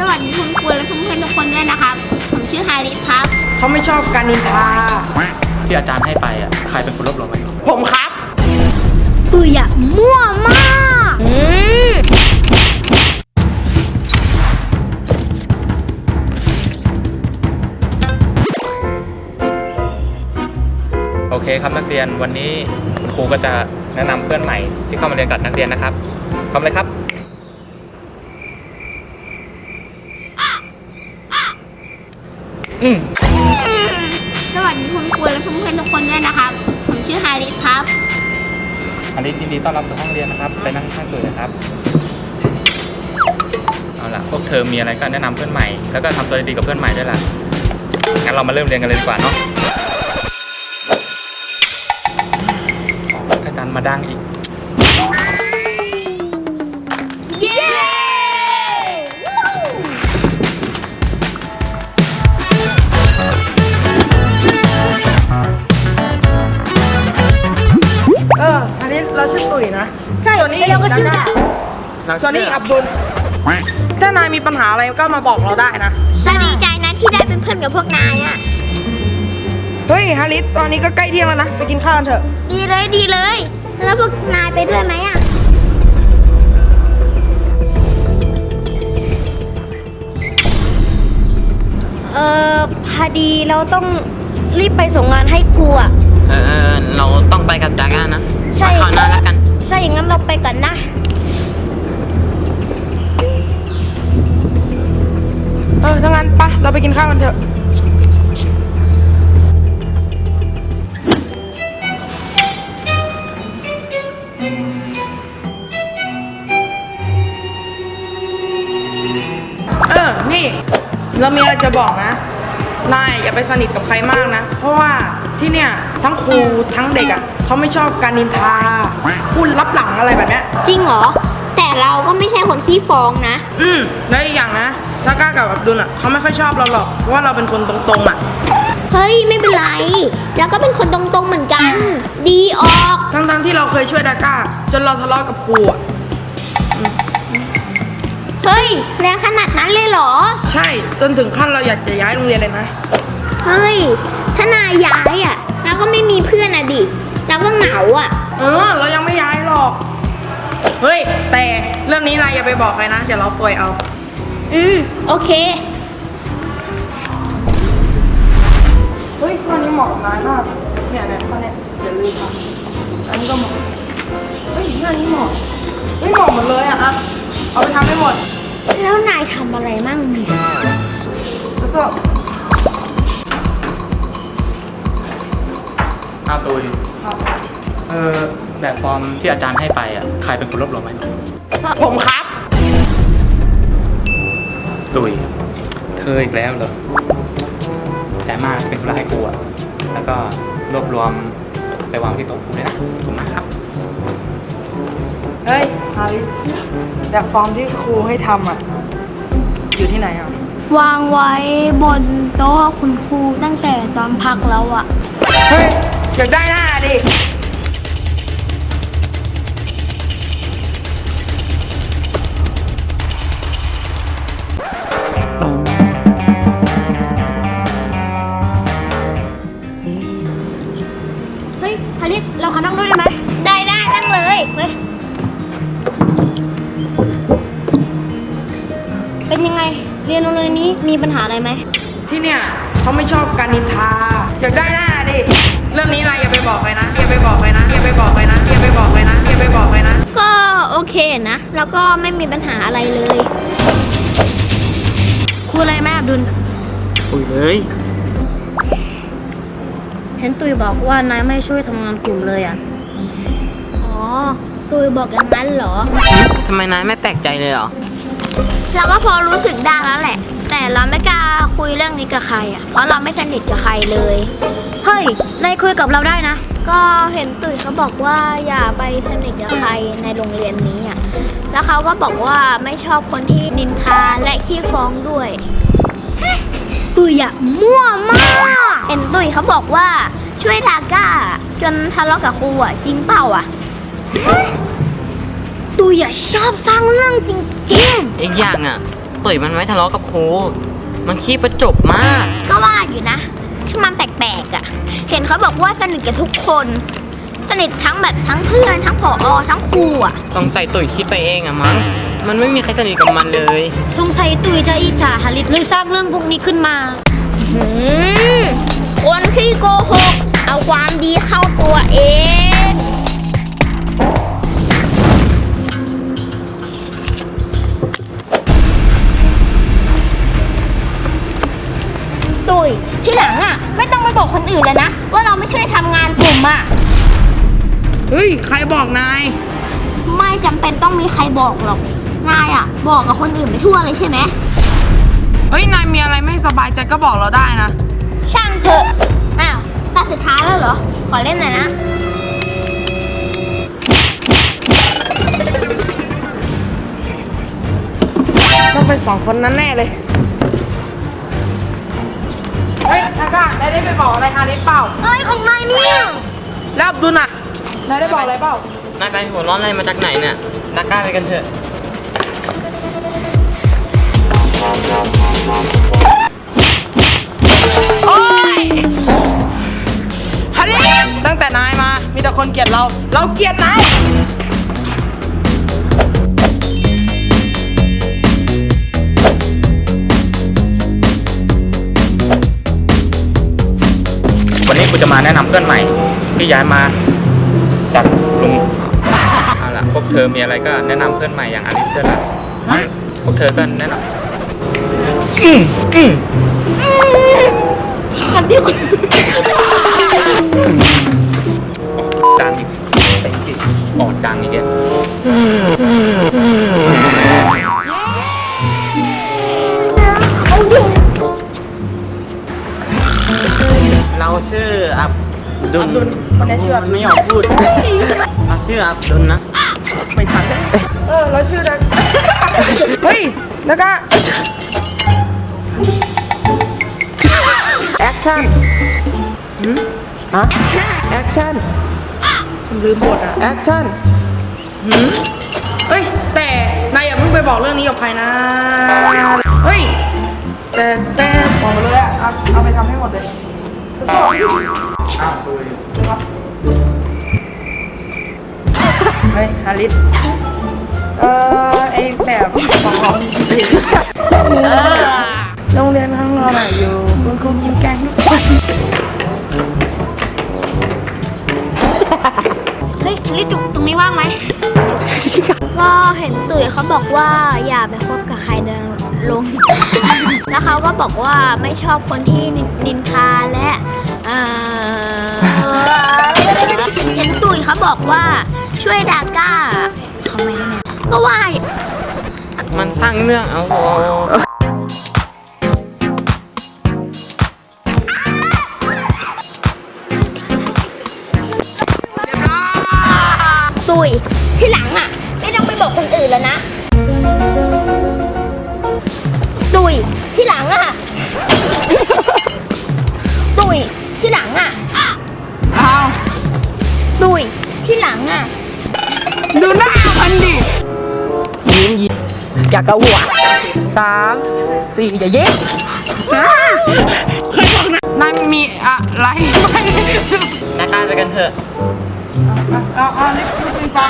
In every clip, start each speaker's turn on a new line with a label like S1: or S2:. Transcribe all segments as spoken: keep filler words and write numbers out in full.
S1: สวัสดีคุณครูและเพื่อนๆทุกคนด้วยนะครับผมชื่อฮาริสครับ
S2: เขาไม่ชอบการนินทา
S3: ที่อาจารย์ให้ไปอ่ะใครเป็นคนรวบรวมไว้
S2: ผมครับ
S1: ตุยอะมั่วมากอืม
S3: โอเคครับนักเรียนวันนี้คุณครูก็จะแนะนำเพื่อนใหม่ที่เข้ามาเรียนกับนักเรียนนะครับทำเลยครับอืม
S1: สวัสดีคุณครูและเพื่อนๆทุกคนด้วยนะครับผมชื่อฮาริสครับ
S3: ฮาริสยินดีต้อนรับสู่ห้องเรียนนะครับไปนั่งข้างตัวนะครับเอาล่ะพวกเธอมีอะไรก็แนะนำเพื่อนใหม่แล้วก็ทำตัวดีกับเพื่อนใหม่ด้วยล่ะงั้นเรามาเริ่มเรียนกันเลยดีกว่าเนาะกระดานมาดังอีก
S1: เย้
S2: เอออันนี้เราชื่อตุ๋ยนะ
S1: ใช่แล้วเราก็ชื่อดา
S2: ส่วนนี้อับดุลถ้านายมีปัญหาอะไรก็มาบอกเราได้นะ
S1: ฉันดีใจนะที่ได้เป็นเพื่อนกับพวกนายอ่ะ
S2: เฮ้ยฮาริสตอนนี้ก็ใกล้เที่ยงแล้วนะไปกินข้าวกันเถอะ
S1: ดีเลยดีเลยแล้วพวกนายไปด้วยไหมอ่ะเออพอดีเราต้องรีบไปส่งงานให้ครูอ่ะ
S4: เออเราต้องไปกับดาก้านะ
S1: ใช่
S4: ข่าวหน้าแล้วกัน
S1: ใช่อย่างนั้นเราไปก่อนนะ
S2: เออถ้างั้นปะเราไปกินข้าวกันเถอะเออนี่เรามีอะไรจะบอกนะนายอย่าไปสนิทกับใครมากนะเพราะว่าที่เนี่ยทั้งครูทั้งเด็กอ่ะเขาไม่ชอบการนินทาพูดลับหลังอะไรแบบเนี้ย
S1: จริงเหรอแต่เราก็ไม่ใช่คนขี้ฟ้องนะ
S2: อืมแล้วอีกอย่างนะถ้าก้ากับอับดุลอ่ะเขาไม่ค่อยชอบเราหรอกเพราะว่าเราเป็นคนตรงๆอ่ะ
S1: เฮ้ยไม่เป็นไรแล้วก็เป็นคนตรงๆเหมือนกันดีออก
S2: ทั้งๆที่เราเคยช่วยดาก้าจนเราทะเลาะกับครูอ่ะ
S1: เฮ้ยแรงขนาดนั้นเลยเหรอ
S2: ใช่จนถึงขั้นเราอยากจะย้ายโรงเรียนเลยนะ
S1: เฮ้ยถ้านายย้ายอ่ะเราก็ไม่มีเพื่อนอ่ะดิเราก็เหงาอ่ะ
S2: เออเรายังไม่ย้ายหรอกเฮ้ยแต่เรื่องนี้นายอย่าไปบอกใครนะเดี๋ยวเราซวยเอา
S1: อืมโอเค
S2: เฮ้ยข้อนี้เหมาะกับนายมากเนี่ยเนี่ยข้อนี้อย่าลืมนะอันนี้ก็เหมาะเฮ้ยหน้านี้เหมาะเฮ้ยเหมาะหมดเลยอ่ะอะเอาไปทำให้หมด
S1: แล้วนายทำอะไรมั่งเนี่ย
S2: ทดสอบ
S3: อ้าวตุยเออแบบฟอร์มที่อาจารย์ให้ไปอ่ะใครเป็นคนรวบรวมไว้
S2: ผมครับ
S3: ตุยเธออีกแล้วเหรอใจมากเป็นคนรักให้ครูอ่ะแล้วก็รวบรวมไปวางที่โต๊ะครูด้วยนะขอบคุณมากครับ
S2: เฮ้ยฮาริสแบบฟอร์มที่ครูให้ทำอ่ะอยู่ที่ไหนอ่ะ
S1: วางไว้บนโต๊ะคุณครูตั้งแต่ตอนพักแล้วอ่ะ
S2: เฮ้ยอยากได้หน้าดิ
S1: เฮ้ยฮาริสเราขอนั่งด้วยได้ไหมได้ได้นั่งเลยเฮ้ยเป็นยังไงเรียนโรงเรียนนี้มีปัญหาอะไรไหม
S2: ที่เนี่ยเขาไม่ชอบการนินทาอยากได้หน้าดิเรื่องนี้นายอย่าไปบอกใครนะอย่าไปบอกใครนะอย่าไปบอกใครนะอย่าไปบอกใครนะอย่าไปบอกใครนะ
S1: ก็โอเคนะแล้วก็ไม่มีปัญหาอะไรเลยคุยอะไรแม่อับดุล
S4: คุยเลย
S1: เห็นตุยบอกว่านายไม่ช่วยทำงานกลุ่มเลยอ่ะอ๋อตุยบอกอย่างนั้นเหรอ
S4: ทำไมนายไม่แปลกใจเลยเหรอ
S1: เราก็พอรู้สึกได้แล้วแหละแต่เราไม่กล้าคุยเรื่องนี้กับใครอ่ะเพราะเราไม่สนิทกับใครเลยเฮ้ยนายคุยกับเราได้นะก็เห็นตุ๋ยเขาบอกว่าอย่าไปสนิทกับใครในโรงเรียนนี้อ่ะแล้วเขาก็บอกว่าไม่ชอบคนที่นินทาและขี้ฟ้องด้วยตุ๋ยอะมั่วมากเห็นตุ๋ยเขาบอกว่าช่วยดาก้าจนทะเลาะกับครูอ่ะจริงเปล่าอ่ะตุ๋ยอะชอบสร้างเรื่องจริงๆ
S4: อีกอย่างอ่ะตุ๋ยมันไม่ทะเลาะกับครูมันขี้ประจบมาก
S1: ก็ว่าอยู่นะ ที่มันแปลกๆอ่ะ เห็นเขาบอกว่าสนิทกับทุกคน สนิททั้งแบบทั้งเพื่อนทั้งผอทั้งครูอ่ะ
S4: ต้องใจตุ๋ยคิดไปเองอะมั้งมันไม่มีใครสนิทกับมันเลย
S1: สงสัยตุยจะอิจฉาฮาริสเลยสร้างเรื่องพวกนี้ขึ้นมาหืมคนที่โกหกเอาความดีเข้าตัวเอง ตุยที่หลังอ่ะ ไม่ต้องไปบอกคนอื่นเลยนะ ว่าเราไม่ช่วยทำงานกลุ่มอ่ะ
S2: เฮ้ย ใครบอกนาย
S1: ไม่จำเป็นต้องมีใครบอกหรอกนายอ่ะ บอกกับคนอื่นไปทั่วเลยใช่ไหม
S2: เฮ้ย นายมีอะไรไม่สบายใจก็บอกเราได้นะ
S1: ช่างเถอะ อ้าวตาสุดท้ายแล้วเหรอ ขอเล่นหน่อยนะ
S2: ต้องเป็นสองคนนั้นแน่เลย เฮ้ยทาก้านายได้ไปบอกอะไรฮาริสเปล่า
S1: เฮ้ย ของนายเนี่ย
S2: แล้วอับดุลน่ะ นายได้บอกอะไรเปล่า
S4: นายไปหัวร้อนอะไรมาจากไหนเนี่ยดาก้าไปกันเถอะ
S2: โอ๊ยฮาริสตั้งแต่นายมา มีแต่คนเกลียดเรา เราเกลียดนาย
S3: วันนี้กูจะมาแนะนำเพื่อนใหม่ ที่ย้ายมาจากลุงเอาล่ะพวกเธอมีอะไรก็แนะนำเพื่อนใหม่อย่างอลิสด้วยล่ะพวกเธอก็แนะนำอืมอืม
S1: มันเดียวกัน
S3: ดังอีกเสียงจิตออกดังอีกเนี่ย
S4: เราชื่ออับดุล
S2: อับดุลคนนี้ชื่ออับดุล
S4: ไม่ยอมพูดเราชื่ออับดุลนะ
S2: ไม่ทันเลยเออ เราชื่อดัง เฮ้ย แล้วก็ แอคชั่นฮะแอคชั่นลืมบทอะแอคชั่นเฮ้ย แต่นายอย่าเพิ่งไปบอกเรื่องนี้กับใครนะ เฮ้ย แต่แต่บอกเลยอะเอาเอาไปทำให้หมดเลยเฮ้ยฮาริสเออไอแบบของเราโรงเรียนข้างเราน่ะอยู่คุณครูกินแกงทุกวัน
S1: เฮ้ยลิจุกตรงนี้ว่างไหม ก็เห็นตุ๋ยเขาบอกว่าอย่าไปคบกับใครเดินลง แล้วเขาก็บอกว่าไม่ชอบคนที่นินทาและเอ่อเห็นตุ๋ยเขาบอกว่าช่วยดาก้าทำไมเนี่ยก็ว่า
S4: มันสร้างเรื่องเอาโห
S1: ตุ๋ยที่หลังอ่ะ ไม่ต้องไปบอกคนอื่นแล้วนะ ตุ๋ยที่หลังอ่ะ ตุ๋ยที่หลังอ่ะ
S2: เอา
S1: ตุ๋ยที่หลังอ่ะ
S2: ดูหน้ามันดิ
S5: ยิ้มยิ้มอยากกระหัวสามสี่อย่าเย็บ
S2: เคยบอกนะนายมีอะไรไหม
S4: ดาก้าไปกันเถอะ
S2: เอาเอาเล็กปิงปอง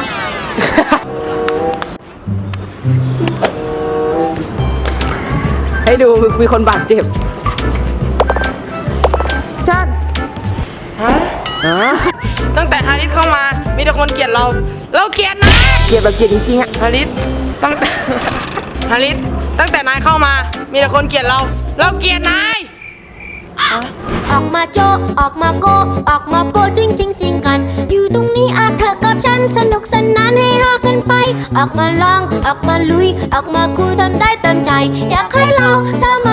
S5: ให้ดูมีคนบาดเจ็บจัน
S2: ฮะ
S5: อ่ะ
S2: ตั้งแต่ฮาริสเข้ามา มีแต่คนเกลียดเรา เราเกลียดนาย
S5: เกลียดแบบเกลียดจริงๆอ่ะ
S2: ฮาริสตั้งแต่ ฮาริสตั้งแต่นายเข้ามา มีแต่คนเกลียดเรา เราเกลียดนาย
S6: ออกมาโจออกมาโก ออกมาโปจริงจริงสิงกัน อยู่ตรงนี้อาเธอกับฉันสนุกสนานให้ฮากันไป ออกมาลอง ออกมาลุย ออกมาคุยทำได้เต็มใจ อยากให้เราเธอมา